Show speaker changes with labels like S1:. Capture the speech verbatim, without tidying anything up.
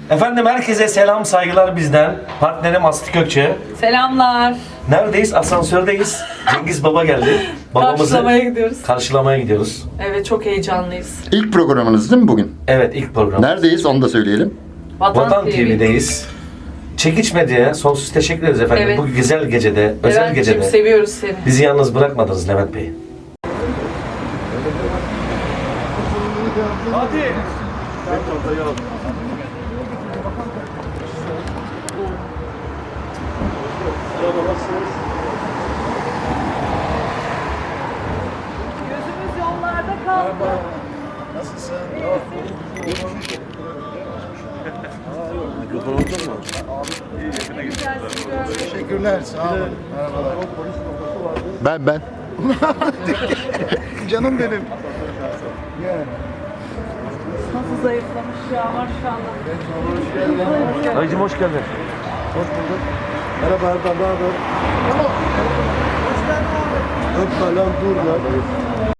S1: Efendim herkese selam saygılar bizden. Partnerim Aslı Kökçe.
S2: Selamlar.
S1: Neredeyiz? Asansördeyiz. Cengiz Baba geldi. Babamızı
S2: Karşılamaya gidiyoruz.
S1: karşılamaya gidiyoruz.
S2: Evet, çok heyecanlıyız.
S3: İlk programınız değil mi bugün?
S1: Evet, ilk program.
S3: Neredeyiz onu da söyleyelim.
S2: Vatan,
S1: Vatan
S2: T V.
S1: T V'deyiz. Çekiç Medya'ya sonsuz teşekkür ederiz efendim.
S2: Evet.
S1: Bu güzel gecede, özel
S2: Levent'ciğim,
S1: gecede
S2: seviyoruz seni.
S1: bizi yalnız bırakmadınız Levent Bey. Hadi.
S2: Gözümüz yollarda kaldı.
S4: Teşekkürler, sağ olun. Merhabalar.
S3: Ben ben.
S4: Canım benim.
S2: Nasıl zayıflamış ya maşallah.
S1: Dayıcım hoş geldin.
S4: Hoş bulduk. Merhaba Erdal, ne haber? Hoş geldin abi. Öpme lan, dur lan.